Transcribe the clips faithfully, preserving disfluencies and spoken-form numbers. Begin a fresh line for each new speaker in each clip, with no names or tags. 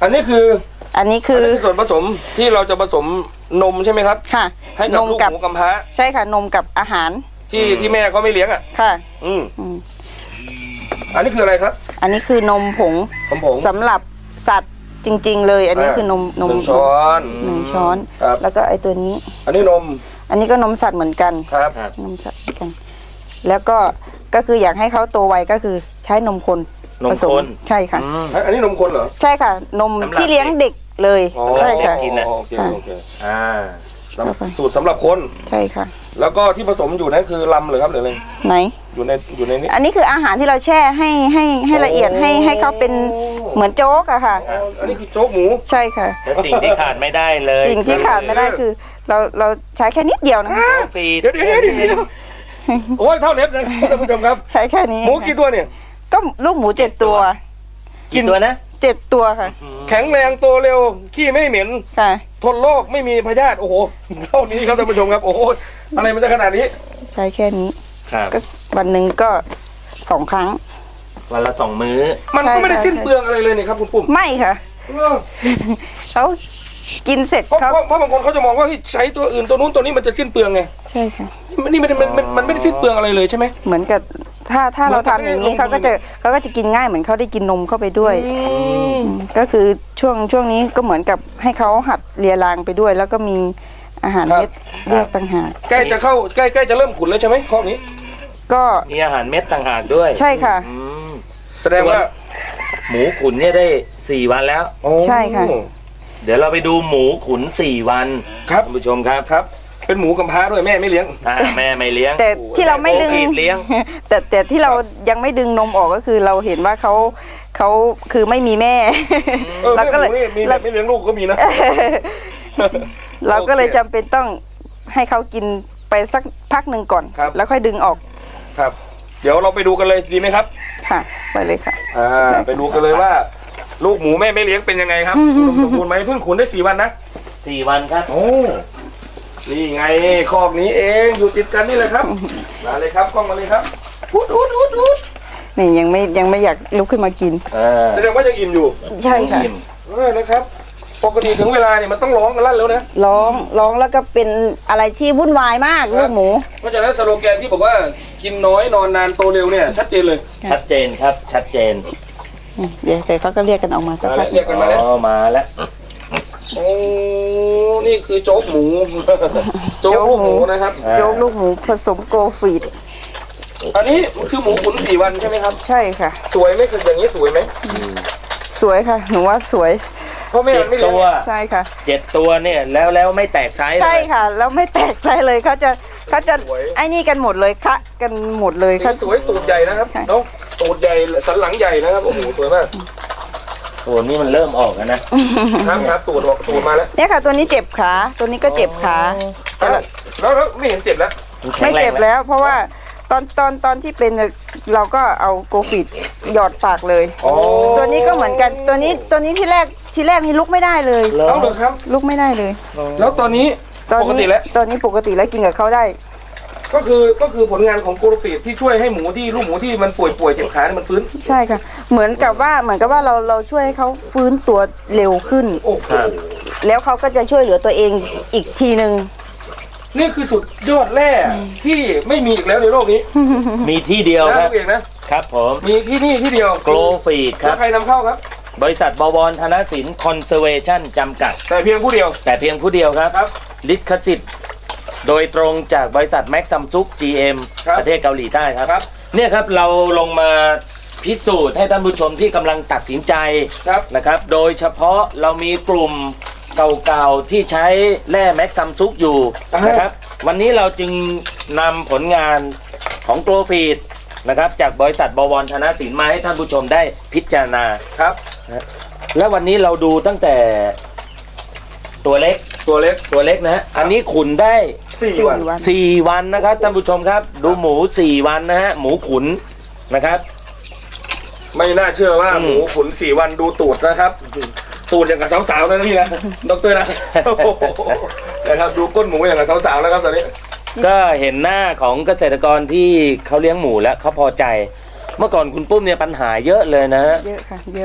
อันนี้คือ
อันนี้คือ
ส่วนผสมที่เราจะผสมนมใช่ไหมครับ
ค่ะ
ให้กับลูกหมูกำพร้า
ใช่ค่ะนมกับอาหาร
ที่ที่แม่เขาไม่เลี้ยงอ่ะ
ค่ะ
อืมอันนี้คืออะไรครับ
อันนี้คือนมผง
ผง
สำหรับสัตว์จริงๆเลยอันนี้คือนมนม
หนึ่งช้อน
หนึ่งช้อนแล้วก็ไอตัวนี้
อันนี้นม
อันนี้ก็นมสัตว์เหมือนกัน
ครับ
นมสัตว์เหมือนกันแล้วก็ก็คืออยากให้เขาโตไวก็คือใช้นมคน
นมคน
ใช่ค่ะ
อันนี้นมคนเหรอ
ใช่ค่ะนมที่เลี้ยงเด็กเลยใช่ค่ะ
กินนะ
โอเคโอเค
อ่า
สูตรสำหรับคน
ใช่ค่ะ
แล้วก็ที่ผสมอยู่นั่นคือลำหรือครับหรืออะไร
ไหน
อยู่ในอยู่ในนี้
อันนี้คืออาหารที่เราแช่ให้ให้ให้ละเอียดให้ให้เขาเป็นเหมือนโจ๊กอะค่ะ
อันนี้คือโจ๊กหมู
ใช่ค่ะ
แล้วสิ่งที่ขาดไม่ได้เลย
สิ่งที่ขาดไม่ได้คือเราเราใช้แค่นิดเดียวนะ
ฟรี
เดี๋ยวเดี๋ยวเดี๋ยวโอ้ยเท่าเล็บนะท่านผู้ชมครับ
ใช้แค่นี้
หมูกี่ตัวเนี่ย
ก็ลูกหมูเจ็ดตัว
กี่ตัวนะ
เจ็ดตัวค่ะ
แข็งแรงโตเร็วขี้ไม่เหม็น
ค่ะ
ทนโรคไม่มีพยาธิโอ้โหเท่านี้ครับท่านผู้ชมครับโอ้โหอะไรมันจะขนาดนี้
ใช้แค่นี้
ครับ
ก็วันหนึ่งก็สองครั้ง
วันละสองมื้อ
มันก็ไม่ได้สิ้นเปลืองอะไรเลยนี่ครับคุณปุ้ม
ไม่ค่ะเขากินเสร็จ
เขาเพราะบางคนเขาจะมองว่าใช้ตัวอื่นตัวนู้นตัวนี้มันจะสิ้นเปลืองไง
ใช่ค่ะ
นี่มันมันมันมันไม่ได้สิ้นเปลืองอะไรเลยใช่ไหม
เหมือนกับถ้าถ้าเราทำอย่างนี้เขาก็จะเขาก็จะกินง่ายเหมือนเขาได้กินนมเข้าไปด้วยก็คือช่วงช่วงนี้ก็เหมือนกับให้เขาหัดเลียรางไปด้วยแล้วก็มีอาหารเม็ดแยกต่างหาก
ใกล้จะเข้าใกล้ใกล้จะเริ่มขุนแล้วใช่ไหมข้อนี้
ก็
มีอาหารเม็ดต่างหากด้วย
ใช่ค่ะ
แสดงว่า
หมูขุนเนี่ยได้สี่วันแล้ว
ใช่ค่ะ
เดี๋ยวเราไปดูหมูขุนสี่วัน
ครับ
ท่านผู้ชมครับ
ครับเป็นหมูกำพร้าด้วยแม่ไม่เลี้ยง
อ่าแม่ไม่เลี้ยง
แต่ที่เราไม่ดึง
เลี้ยง
แต่แต่ที่เรายังไม่ดึงนมออกก็คือเราเห็นว่าเขาเขาคือไม่มีแม่
เราก็เลยมีแบบไม่เลี้ยงลูกก็มีนะ
เราก็เลยจำเป็นต้องให้เขากินไปสักพักหนึ่งก่อนแล้วค่อยดึงออก
ครับเดี๋ยวเราไปดูกันเลยดีไหมครับ
ค่ะไปเลยค่ะ
อ่าไปดูกันเลยว่าลูกหมูแม่ไม่เลี้ยงเป็นยังไงครับสมบูรณ์ไหมเพิ่งขุนได้สี่วันนะ
สี่วันครับ
โอ้นี่ไงคอกนี้เองอยู่ติดกันนี่เลยครับมาเลยครับกล้องมาเลยครับอุดอุดอุดอุด
นี่ยังไม่ยังไม่อยากลุกขึ้นมากิน
แสดงว่ายังอิ่มอยู่
ใช่ค่ะ
เออนะครับปกติถึงเวลาเนี่ยมันต้องร้องกันลั่นแล้วนะ
ร้องร้องแล้วก็เป็นอะไรที่วุ่นวายมากลูกหมู
เพราะฉะนั้นสโลแกนที่บอกว่ากินน้อยนอนนานโตเร็วเนี่ยชัดเจนเลย
ชัดเจนครับชัดเจน
เดี๋ยวแต่เขาก็เรียกกันออกมาสักพัก
เรียกกันมาแล้ว
อ๋อมาแล้ว
โอ้นี่คือโจ๊กหมูโจ๊กลูกหมูนะครับ
โจ๊กลูกหมูผสมโกฟีด
อันนี้คือหมูขุนสี่วันใช่ไหมครับ
ใช่ค่ะ
สวยไหมคืออย่างนี้สวยไหม
สวยค่ะหนูว่าสวย
เพราะแม่ไม่
ตัว
ใช่ค่ะ
เจ็ดตัวเนี่ยแล้วแล้วไม่แตกไซส์
ใช่ค่ะแล้วไม่แตกไซส์เลยเขาจะเขาจะไอ้นี่กันหมดเลยคะกันหมดเลย
ค่ะสวยตูดใหญ่นะครับเนาะตูดใหญ่สันหลังใหญ่นะครับโอ้โหสวยมาก
ตัวนี้มันเริ่มออกแล้วนะครับ
ครับตูดออกตูดมาแล้ว
เนี่ยค่ะตัวนี้เจ็บขาตัวนี้ก็เจ็บขา
แล้วแล้วไม่เห็นเจ็บแล้ว
ไม่เจ็บแล้วเพราะว่าตอนตอนตอนที่เป็นเราก็เอาโกฟีดหยอดปากเลยตัวนี้ก็เหมือนกันตัวนี้ตัวนี้ที่แรกที่แรกนี่ลุกไม่ได้เลย
แล้วเหรอครับ
ลุกไม่ได้เลย
แล้วตอนนี้ปกติแล้ว
ตอนนี้ปกติแล้วกินกับเขาได้
ก็คือก็คือผลงานของโกลฟีดที่ช่วยให้หมูที่ลูกหมูที่มันป่วยป่วยเจ็บขาเนี่ยมันฟื้น
ใช่ค่ะเหมือนกับว่าเหมือนกับว่าเราเราช่วยให้เขาฟื้นตัวเร็วขึ้นแล้วเขาก็จะช่วยเหลือตัวเองอีกทีนึง
นี่คือสุดยอดแร่ที่ไม่มีอีกแล้วในโลกนี้
มีที่เดียวครับ
เองนะครับ
ผม
มีที่นี่ที่เดียว
โกลฟีดครับ
ใครนำเข้าครับ
บริษัทบวรธนสินคอนเซอร์เวชั่นจำกัด
แต่เพียงผู้เดียว
แต่เพียงผู้เดียวครับลิขสิทธิ์โดยตรงจากบริษัทแม็กซัมซุก จี เอ็ม ประเทศเกาหลีใต้ครับเนี่ยครับเราลงมาพิสูจน์ให้ท่านผู้ชมที่กำลังตัดสินใจนะครับโดยเฉพาะเรามีกลุ่มเก่าๆที่ใช้แร่แม็กซัมซุกอยู่นะครับวันนี้เราจึงนำผลงานของโกลฟีดนะครับจากบริษัทบวรธนสินมาให้ท่านผู้ชมได้พิจารณา
ครับ
และวันนี้เราดูตั้งแต่ตัวเล็ก
ตัวเล็ก
ตัวเล็กนะฮะอันนี้ขุนได้
สี่วัน
สี่วันนะครับท่านผู้ชมครับดูหมูสี่วันนะฮะหมูขุนนะครับ
ไม่น่าเชื่อว่าหมูขุนสี่วันดูตูดนะครับตูดอย่างกับสาวๆนะพี่นะดรนะนะครับดูก้นหมูอย่างกับสาวๆแล้วครับตอนนี้
ก็เห็นหน้าของเกษตรกรที่เขาเลี้ยงหมูแล้วเขาพอใจเมื่อก่อนคุณปุ้มเนี่ยปัญหาเยอะเลยนะ
เยอะค่ะเยอะ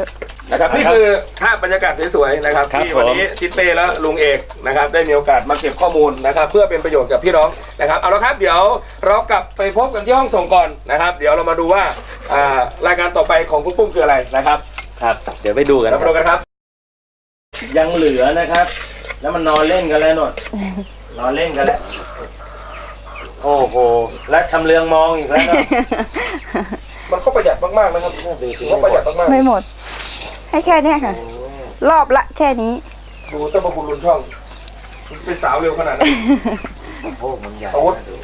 นะครับนี่คือภาพบรรยากาศสวยๆนะครับ
ครับ
ที่วันนี้
ผม
ทิศเป้และลุงเอกนะครับได้มีโอกาสมาเก็บข้อมูลนะครับเพื่อเป็นประโยชน์กับพี่น้องนะครับเอาละครับเดี๋ยวเรากลับไปพบกันที่ห้องส่งก่อนนะครับ เดี๋ยวเรามาดูว่าอ่ารายการต่อไปของคุณปุ้มคืออะไรนะครับ
ครับ เดี๋ยวไปดูกัน
เรา
ค
มา
รั
ดู
บ
กันครับ
ยังเหลือนะครับ แล้วมันนอนเล่นกันแล้วนนนอนเล่นกันแล้ว โอ้โห และชำเลืองมองอีกแล้วเนอะ
มันก็ประหยัดมากๆนะครับก็ประหยัดมาก
ไม่หมด ให้แค่เนี้ยค่ะ รอบละแค่นี้
ๆดูเจ้าพระคุณลุนช่องเป็นสาวเร็วขนาดนั้น
โอ้มันใหญ่
อาวุธ